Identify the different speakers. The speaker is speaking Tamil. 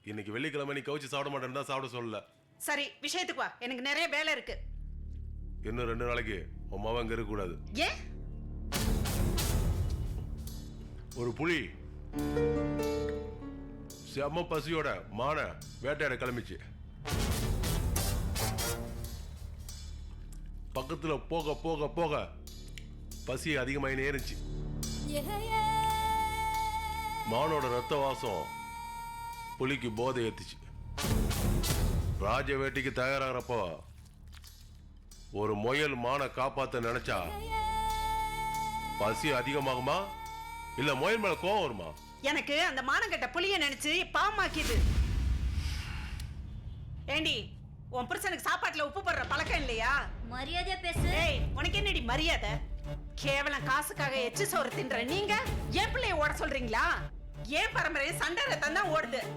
Speaker 1: இன்னைக்கு வெள்ளிக்கிழமை நீ கவுச்சி சாப்பிட மாட்டேன்னு தான் சாப்பிட சொல்லல.
Speaker 2: சரி விஷயத்துக்கு வா, எனக்கு நிறைய வேலை இருக்கு.
Speaker 1: இன்னும் 2 நாளைக்கு உன் மாவன் அங்க இருக்கக்கூடாது.
Speaker 2: ஏன்?
Speaker 1: ஒரு புலி செம்ம பசியோட மான வேட்டையாட கிளம்பிச்சு. பக்கத்துல போக போக போக பசி அதிகமாயினே இருந்துச்சு. மானோட ரத்த வாசம் புலிக்கு போதை ஏத்துச்சு. ராஜ வேட்டைக்கு தயாராகிறப்போ ஒரு முயல் மானை காப்பாத்த நினைச்சா பசி அதிகமாகுமா இல்ல முயல் மேல கோவம் வருமா?
Speaker 2: எனக்கு அந்த மானங்கட்ட புலிய நினைச்சு பாவமாக்கிது. ஏண்டி உன் புருஷனுக்கு சாப்பாட்டுல உப்பு போடுற பழக்கம் இல்லையா?
Speaker 3: மரியாதையா பேசு.
Speaker 2: ஏய், உனக்கு என்னடி மரியாதை? கேவலம் காசுக்காக எச்சு சோறு தின்ற நீங்க என் பிள்ளைய ஓட சொல்றீங்களா? ஏன் பரம்பரை சண்டை ரத்தம் தான் ஓடுது.